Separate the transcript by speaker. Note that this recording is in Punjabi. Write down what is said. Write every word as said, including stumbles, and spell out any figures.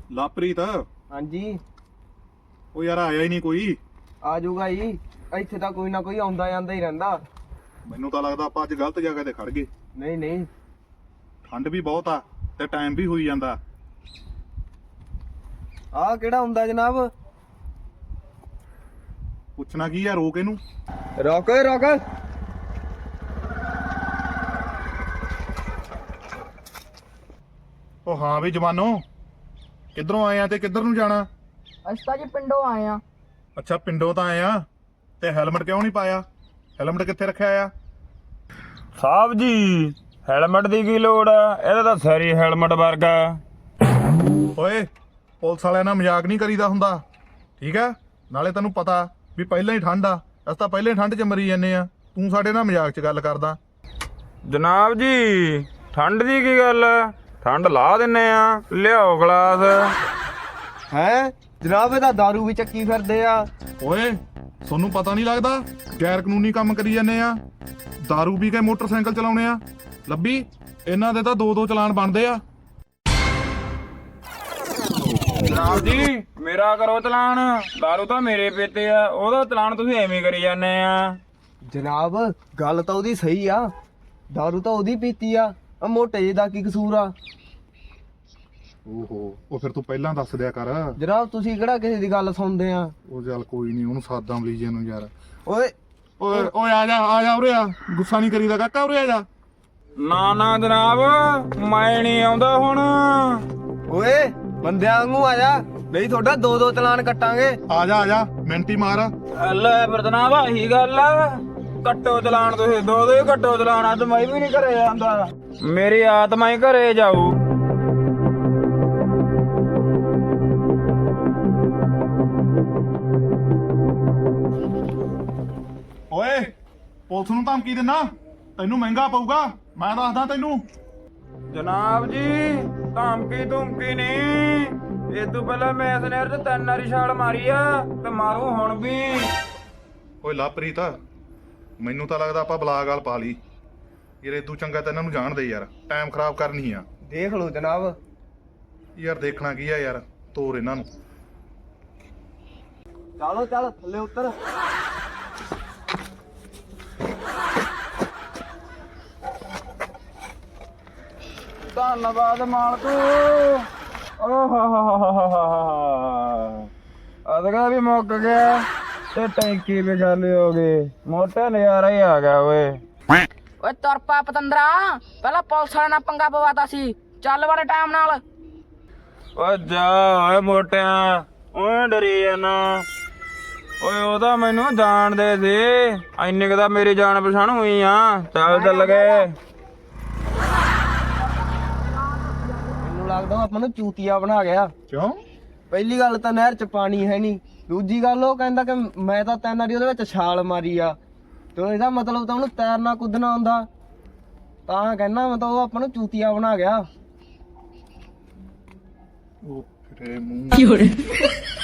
Speaker 1: ਲਾਪ੍ਰੀਤ
Speaker 2: ਹਾਂਜੀ
Speaker 1: ਉਹ ਯਾਰ ਆਇਆ ਹੀ ਨਹੀਂ ਕੋਈ।
Speaker 2: ਆ ਜਾਊਗਾ ਜੀ। ਇੱਥੇ ਤਾਂ ਕੋਈ ਨਾ ਕੋਈ ਆਉਂਦਾ ਜਾਂਦਾ ਹੀ ਰਹਿੰਦਾ।
Speaker 1: ਮੈਨੂੰ ਤਾਂ ਲੱਗਦਾ ਆਪਾਂ ਅੱਜ ਗਲਤ ਜਗ੍ਹਾ ਤੇ ਖੜ ਗਏ।
Speaker 2: ਨਹੀਂ ਨਹੀਂ
Speaker 1: ਠੰਡ ਵੀ ਬਹੁਤ ਆ ਤੇ ਟਾਈਮ ਵੀ ਹੋਈ ਜਾਂਦਾ।
Speaker 2: ਆਹ ਕਿਹੜਾ ਹੁੰਦਾ ਜਨਾਬ?
Speaker 1: ਪੁੱਛਣਾ ਕੀ ਆ, ਰੋਕ ਇਹਨੂੰ।
Speaker 2: ਰੁਕ ਰੁਕ।
Speaker 1: ਉਹ ਹਾਂ ਵੀ ਜਵਾਨੋ, ਕਿੱਧਰੋਂ ਆਏ ਆ ਤੇ ਕਿੱਧਰ ਨੂੰ ਜਾਣਾ?
Speaker 3: ਅਸੀਂ ਤਾਂ ਜੀ ਪਿੰਡੋਂ ਆਏ ਆ।
Speaker 1: ਅੱਛਾ ਪਿੰਡੋਂ ਤਾਂ ਆਏ ਆ, ਤੇ ਹੈਲਮਟ ਕਿਉਂ ਨਹੀਂ ਪਾਇਆ? ਹੈਲਮਟ ਕਿੱਥੇ ਰੱਖਿਆ ਆ?
Speaker 4: ਸਾਹਿਬ ਜੀ ਹੈਲਮਟ ਦੀ ਕੀ ਲੋੜ ਆ? ਇਹਦਾ ਤਾਂ ਸਾਰੀ ਹੈਲਮਟ ਵਰਗਾ।
Speaker 1: ਓਏ ਪੁਲਿਸ ਵਾਲਿਆਂ ਨਾਲ ਮਜ਼ਾਕ ਨਹੀਂ ਕਰੀਦਾ ਹੁੰਦਾ, ਠੀਕ ਆ? ਨਾਲੇ ਤੈਨੂੰ ਪਤਾ ਵੀ ਪਹਿਲਾਂ ਹੀ ਠੰਡ ਆ, ਅਸੀਂ ਤਾਂ ਪਹਿਲਾਂ ਹੀ ਠੰਡ 'ਚ ਮਰੀ ਜਾਂਦੇ ਆ, ਤੂੰ ਸਾਡੇ ਨਾਲ ਮਜ਼ਾਕ 'ਚ ਗੱਲ ਕਰਦਾ।
Speaker 4: ਜਨਾਬ ਜੀ ਠੰਡ ਦੀ ਕੀ ਗੱਲ ਆ? ਠੰਡ ਲਾ ਦਿੰਨੇ ਆ, ਲਿਆਓ ਗਲਾਸ।
Speaker 2: ਹੈ ਜਨਾਬ, ਇਹ ਤਾਂ ਦਾਰੂ ਵੀ ਚੱਕੀ ਫਿਰਦੇ ਆ।
Speaker 1: ਓਏ ਤੁਹਾਨੂੰ ਪਤਾ ਨਹੀਂ ਲੱਗਦਾ ਗੈਰ ਕਾਨੂੰਨੀ ਕੰਮ ਕਰੀ ਜਾਂਦੇ ਆ? ਦਾਰੂ ਪੀ ਕੇ ਮੋਟਰਸਾਈਕਲ ਚਲਾਉਣੇ ਆ? ਲੱਭੀ ਇਹਨਾਂ ਦੇ ਤਾਂ ਦੋ ਦੋ ਚਲਾਨ ਬਣਦੇ ਆ।
Speaker 4: ਜਨਾਬ ਜੀ ਮੇਰਾ ਕਰੋ ਚਲਾਨ, ਦਾਰੂ ਤਾਂ ਮੇਰੇ ਪੀਤੇ ਆ, ਉਹਦਾ ਚਲਾਨ ਤੁਸੀਂ ਐਵੇਂ ਕਰੀ ਜਾਂਦੇ ਆ।
Speaker 2: ਜਨਾਬ ਗੱਲ ਤਾਂ ਉਹਦੀ ਸਹੀ ਆ, ਦਾਰੂ ਤਾਂ ਉਹਦੀ ਪੀਤੀ ਆ, ਆ ਮੋਟੇ ਜਿਹੇ ਦਾ ਕੀ ਕਸੂਰ ਆ?
Speaker 1: ਓਹੋ ਉਹ ਫਿਰ ਤੂੰ ਪਹਿਲਾਂ ਦੱਸ ਦਿਆ ਕਰ।
Speaker 2: ਜਨਾਬ ਤੁਸੀਂ ਕਿਹੜਾ ਕਿਸੇ ਦੀ ਗੱਲ ਸੁਣਦੇ ਆ?
Speaker 1: ਉਹ ਚੱਲ ਕੋਈ ਨਹੀਂ, ਉਹਨੂੰ ਸਾਦਾ ਮਲੀਜੇ ਨੂੰ ਯਾਰ।
Speaker 2: ਓਏ
Speaker 1: ਓਏ ਓਏ ਆ ਜਾ ਆ ਜਾ, ਉਰੇ ਆ, ਗੁੱਸਾ ਨਹੀਂ ਕਰੀਦਾ ਕਾਕਾ, ਉਰੇ ਆ ਜਾ।
Speaker 4: ਨਾ ਨਾ ਜਨਾਬ ਮੈਂ ਨਹੀਂ ਆਉਂਦਾ ਹੁਣ।
Speaker 2: ਓਏ ਬੰਦਿਆਂ ਵਾਂਗੂ ਆ ਜਾ, ਨਹੀਂ ਤੁਹਾਡਾ ਦੋ ਦੋ ਚਲਾਨ ਕੱਟਾਂਗੇ।
Speaker 1: ਆ ਜਾ ਆ ਜਾ, ਮਿੰਟੀ ਮਾਰ।
Speaker 4: ਲੈ ਫਿਰ ਜਨਾਬ ਆਹੀ ਗੱਲ ਆ, ਕੱਟੋ ਚਲਾਨ ਤੁਸੀਂ, ਦੋ ਦੋ ਹੀ ਕੱਟੋ ਚਲਾਨ। ਅੱਜ ਮੈਂ ਵੀ ਨਹੀਂ ਘਰੇ ਜਾਂਦਾ, ਮੇਰੀ ਆਤਮਾ ਹੀ ਘਰੇ ਜਾਊ।
Speaker 1: ਓਏ ਪੁਲਿਸ ਨੂੰ ਧਮਕੀ ਦਿੰਨਾ, ਤੈਨੂੰ ਮਹਿੰਗਾ ਪਊਗਾ, ਮੈਂ ਦੱਸਦਾ ਤੈਨੂੰ।
Speaker 4: ਜਨਾਬ ਜੀ ਧਮਕੀ ਧਮਕੀ ਨਹੀਂ, ਇਹ ਤੋਂ ਪਹਿਲਾਂ ਮੈਂ ਇਸ ਨਹਿਰ 'ਚ ਤਿੰਨ ਵਾਰੀ ਛਾਲ ਮਾਰੀ ਆ ਤੇ ਮਾਰੂ ਹੁਣ ਵੀ।
Speaker 1: ਓਏ ਲਾਪ੍ਰੀਤ, ਮੈਨੂੰ ਤਾਂ ਲੱਗਦਾ ਆਪਾਂ ਬਲਾ ਗਾਲ ਪਾ ਲਈ ਯਾਰ। ਇਦੋਂ ਚੰਗਾ ਤਾਂ ਇਹਨਾਂ ਨੂੰ ਜਾਣ ਦੇ ਯਾਰ, ਟਾਈਮ ਖਰਾਬ ਕਰਨੀ ਆ।
Speaker 2: ਦੇਖ ਲਓ ਜਨਾਬ।
Speaker 1: ਯਾਰ ਦੇਖਣਾ ਕੀ ਆ ਯਾਰ, ਤੋਰ ਇਹਨਾਂ ਨੂੰ।
Speaker 2: ਚਲੋ ਚੱਲ ਥੱਲੇ ਉਤਰ।
Speaker 4: ਧੰਨਵਾਦ ਮਾਲਕੂ। ਅਦਗਾ ਵੀ ਮੁੱਕ ਗਿਆ ਤੇ ਟੈਂਕੀ ਵੀ ਖਾਲੀ ਹੋ ਗਈ, ਮੋਟਾ ਨਜ਼ਾਰਾ ਹੀ ਆ ਗਿਆ ਓਏ।
Speaker 3: ਓਏ ਤੁਰ ਪਾ ਪਤੰਦਰਾ, ਪਹਿਲਾਂ ਪੁਲਿਸ ਵਾਲੇ ਨਾਲ ਪੰਗਾ ਪਵਾਤਾ ਸੀ, ਚੱਲ ਵਾਲੇ ਟਾਈਮ ਨਾਲ।
Speaker 4: ਓ ਜਾ ਓਏ ਮੋਟਿਆ, ਓਏ ਡਰੀ ਜਾਨਾ। ਓਏ ਉਹਦਾ ਮੈਨੂੰ ਜਾਣਦੇ ਸੀ, ਇੰਨੇ ਕੁ ਤਾਂ ਮੇਰੀ ਜਾਣ ਪਛਾਣ ਹੋਈ ਆ। ਚੱਲ ਚੱਲ ਗਏ।
Speaker 2: ਮੈਨੂੰ ਲੱਗਦਾ ਉਹ ਆਪਾਂ ਨੂੰ ਚੂਤੀਆ ਬਣਾ ਗਿਆ।
Speaker 1: ਕਿਉਂ?
Speaker 2: ਪਹਿਲੀ ਗੱਲ ਤਾਂ ਨਹਿਰ 'ਚ ਪਾਣੀ ਹੈ ਨਹੀਂ, ਦੂਜੀ ਗੱਲ ਉਹ ਕਹਿੰਦਾ ਕਿ ਮੈਂ ਤਾਂ ਤਿੰਨ ਵਾਰੀ ਉਹਦੇ ਵਿੱਚ ਛਾਲ ਮਾਰੀ ਆ, ਤੇ ਇਹਦਾ ਮਤਲਬ ਤਾਂ ਉਹਨੂੰ ਤੈਰਨਾ ਕੁੱਦਣਾ ਆਉਂਦਾ, ਤਾਂ ਕਹਿੰਦਾ ਮਤਲਬ ਉਹ ਆਪਾਂ ਨੂੰ ਚੂਤੀਆ ਬਣਾ ਗਿਆ।
Speaker 1: ਉਹ ਫਿਰੇ ਮੂੰਹ।